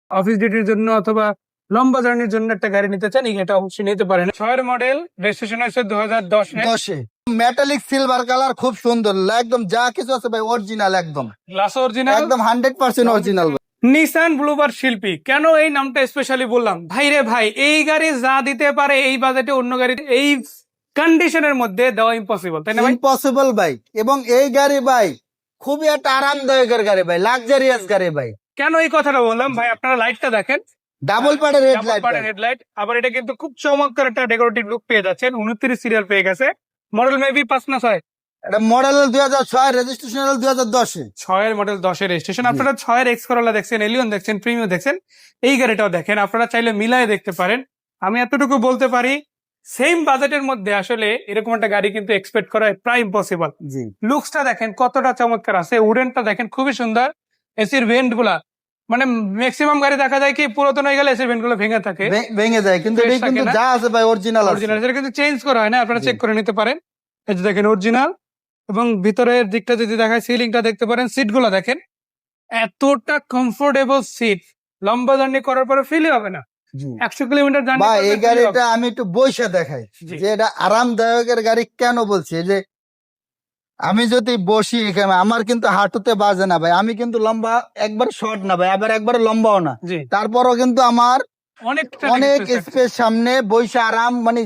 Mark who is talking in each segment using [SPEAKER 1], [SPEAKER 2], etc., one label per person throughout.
[SPEAKER 1] Office ডিউটির জন্য অথবা লম্বা জার্নির জন্য একটা গাড়ি নিতে চান, এটা অবশ্যই নিতে পারেন। 6 মডেল, রেজিস্ট্রেশন হয়েছে 2010-এ।
[SPEAKER 2] মেটালিক সিলভার কালার, খুব সুন্দর, একদম যা কিছু আছে ভাই অরিজিনাল, একদম
[SPEAKER 1] গ্লাস অরিজিনাল,
[SPEAKER 2] একদম 100% অরিজিনাল।
[SPEAKER 1] নিসান ব্লুবার্ড শিল্পী। কেন এই নামটা স্পেশালি বললাম? ভাই রে ভাই, এই গাড়ি যা দিতে পারে এই বাজেটে অন্য গাড়ি এই কন্ডিশনের মধ্যে দেওয়া ইম্পসিবল, তাই না ভাই?
[SPEAKER 2] ইম্পসিবল ভাই। এবং এই গাড়ি ভাই খুবই একটা আরামদায়কের গাড়ি ভাই, লাক্সারিয়াস গাড়ি ভাই।
[SPEAKER 1] কেন এই কথাটা বললাম ভাই? আপনারা লাইটটা দেখেন,
[SPEAKER 2] ডাবল পার্টের
[SPEAKER 1] হেডলাইট। আবার এটা কিন্তু খুব চমৎকার একটা ডেকোরেটিভ লুক পেয়ে যাচ্ছেন। 29 সিরিয়াল পেয়ে গেছে। মডেল মেবি 5 না 6?
[SPEAKER 2] এটা মডেল 2006, রেজিস্ট্রেশন 2010-এ।
[SPEAKER 1] 6 মডেল 10 রেজিস্ট্রেশন। আপনারা 6 এক্স করোলা দেখছেন, এলিয়ন দেখছেন, প্রিমিয়াম দেখছেন, এই গাড়িটাও দেখেন। আপনারা চাইলে মিলায় দেখতে পারেন। আমি এতটুকু বলতে পারি, সেম বাজেটের মধ্যে আসলে এরকম একটা গাড়ি কিন্তু এক্সপেক্ট করা প্রায় ইম্পসিবল। লুকসটা দেখেন কতটা চমৎকার আছে, উডেনটা দেখেন খুবই সুন্দর। এসির ভেন্ট গুলা, মানে ম্যাক্সিমাম গাড়ি দেখা যায় কি পুরাতন হয়ে গেলে এসির ভেন্ট গুলো ভেঙে থাকে,
[SPEAKER 2] ভেঙে যায়, কিন্তু এটা কিন্তু যা আছে ভাই অরিজিনাল আছে।
[SPEAKER 1] অরিজিনাল, সেটা কিন্তু চেঞ্জ করা হয় না, আপনারা চেক করে নিতে পারেন। এই যে দেখেন অরিজিনাল। এবং ভিতরের দিকটা যদি দেখায়, সিলিংটা দেখতে পারেন, সিট গুলা দেখেন এতটা কমফোর্টেবল সিট, লম্বা জার্নি করার পরে ফিলই হবে না। 100 কিলোমিটার জার্নি
[SPEAKER 2] ভাই এই গাড়িটা আমি একটু বইসা দেখাই যে এটা আরামদায়কের গাড়ি। কেন বলছি যে আমি যদি বসি এখানে আমার কিন্তু হাঁটুতে বাজে না ভাই। আমি কিন্তু লম্বা, একবার শর্ট না ভাই, আবার একবার লম্বাও না, তারপরও কিন্তু আমার অনেক স্পেস সামনে বইসা আরাম, মানে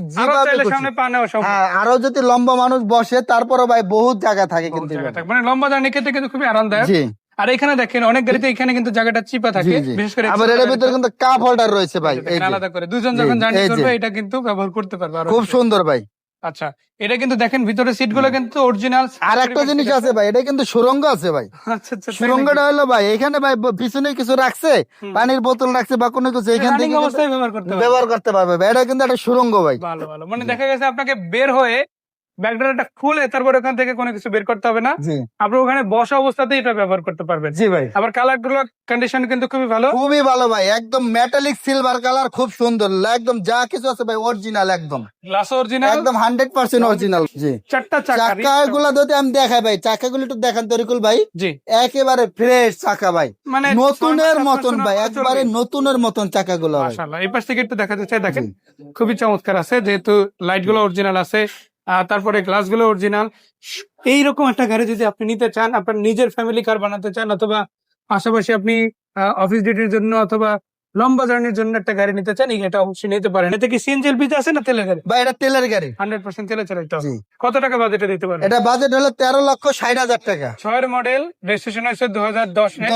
[SPEAKER 2] আরো যদি লম্বা মানুষ বসে তারপরও ভাই বহুত জায়গা থাকে, কিন্তু
[SPEAKER 1] মানে লম্বা জার্নি ক্ষেত্রে কিন্তু খুবই আরামদায়ক। আর এখানে দেখেন অনেক গাড়িতে এখানে কিন্তু জায়গাটা চিপা থাকে, বিশেষ করে
[SPEAKER 2] আবার এর ভিতরে কিন্তু কাপ হোল্ডার রয়েছে ভাই,
[SPEAKER 1] আলাদা করে দুজন যখন জার্নি করবে এটা কিন্তু ব্যবহার করতে পারবে।
[SPEAKER 2] খুব সুন্দর ভাই।
[SPEAKER 1] আচ্ছা, এটা কিন্তু দেখেন ভিতরে সিট গুলো কিন্তু অরিজিনাল।
[SPEAKER 2] আর একটা জিনিস আছে ভাই, এটা কিন্তু সুরঙ্গ আছে ভাই।
[SPEAKER 1] আচ্ছা,
[SPEAKER 2] সুরঙ্গটা হলো ভাই এখানে ভাই পিছনে কিছু রাখছে, পানির বোতল রাখছে বা কোনো কিছু, এখান থেকে ব্যবহার করতে পারবে ভাই। এটা কিন্তু একটা সুরঙ্গ ভাই।
[SPEAKER 1] ভালো ভালো, মানে দেখা গেছে আপনাকে বের হয়ে ব্যাগডোরটা খুলে তারপর ওখান থেকে কোনো কিছু বের করতে হবে না, আপনি ওখানে বসা অবস্থাতেই এটা ব্যবহার করতে পারবেন।
[SPEAKER 2] জি ভাই।
[SPEAKER 1] আবার কালার গুলো কন্ডিশন কিন্তু খুবই ভালো,
[SPEAKER 2] খুবই ভালো ভাই, একদম মেটালিক সিলভার কালার, খুব সুন্দর, একদম যা কিছু আছে ভাই অরিজিনাল, একদম
[SPEAKER 1] গ্লাস অরিজিনাল,
[SPEAKER 2] একদম 100% অরিজিনাল। জি, চাকাগুলো যদি আমি দেখাই ভাই, চাকাগুলো একটু দেখান তরিকুল ভাই।
[SPEAKER 1] জি,
[SPEAKER 2] একেবারে ফ্রেশ চাকা ভাই, মানে নতুনের মতন ভাই, একবারে নতুনের মতন চাকাগুলো।
[SPEAKER 1] মাশাআল্লাহ, এই পাশ থেকে একটু দেখাতে চাই, দেখেন খুবই চমৎকার আছে, যেহেতু লাইট গুলো অরিজিনাল আছে, তারপরে গ্লাস গুলো অরিজিনাল। এইরকম একটা গাড়ি যদি আপনি নিতে চান, আপনার নিজের ফ্যামিলি কার বানাতে চান, অথবা পাশাপাশি আপনি অফিস ডিউটির জন্য অথবা লম্বা জার্নির জন্য একটা গাড়ি নিতে চান, এটা অবশ্যই নিতে পারেন। এটা কি সিএনজি এলপিজি আছে না তেলের গাড়ি?
[SPEAKER 2] ভাই এটা তেলের গাড়ি,
[SPEAKER 1] 100% তেলে চালাইতে হবে। কত টাকা বাজেটে দিতে পারেন?
[SPEAKER 2] এটা বাজেট হলো 13,60,000 টাকা।
[SPEAKER 1] 6 মডেল, রেজিস্ট্রেশন হয়েছে 2010-এ।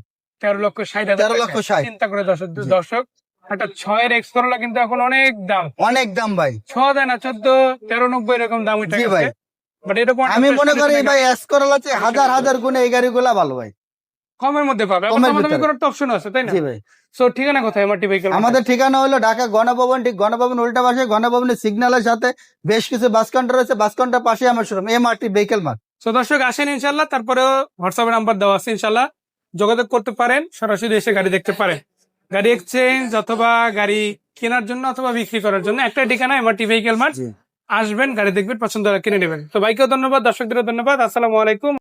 [SPEAKER 1] 13,60,000 চিন্তা করে দর্শক, একটা 6 এক্স করোলা কিন্তু এখন অনেক দাম,
[SPEAKER 2] অনেক দাম ভাই।
[SPEAKER 1] 6 দেয় না, 14, 13,90 এরকম দাম উঠে গেছে। বাট এরকম
[SPEAKER 2] আমি মনে করি ভাই এক্স করোলা চেয়ে হাজার হাজার গুণে এই গাড়িগুলা ভালো ভাই,
[SPEAKER 1] কমের মধ্যে পাবে। অপশন আছে, তাই না?
[SPEAKER 2] জি ভাই।
[SPEAKER 1] সো ঠিকানা কোথায় এমআরটি ভেহিকল?
[SPEAKER 2] আমাদের ঠিকানা হলো ঢাকা গণভবন, ঠিক গণভবন উল্টা পাশে, গণভবনের সিগন্যালের সাথে বেশ কিছু বাস কাউন্টার রয়েছে, বাস কাউন্টার পাশে আমার showroom MRT vehicle mart.
[SPEAKER 1] So দর্শক আসেন ইনশাল্লাহ, তারপরেও হোয়াটসঅ্যাপে নাম্বার দেওয়া আছে, ইনশাল্লাহ যোগাযোগ করতে পারেন, সরাসরি এসে গাড়ি দেখতে পারেন। গাড়ি এক্সচেঞ্জ অথবা গাড়ি কেনার জন্য অথবা বিক্রি করার জন্য একটা ঠিকানা এমআরটি ভেহিকল মার্ট। আসবেন, গাড়ি দেখবেন, পছন্দ হলে কিনে নেবেন। তো ভাইকেও ধন্যবাদ, দর্শকদেরও ধন্যবাদ। আসসালামু আলাইকুম।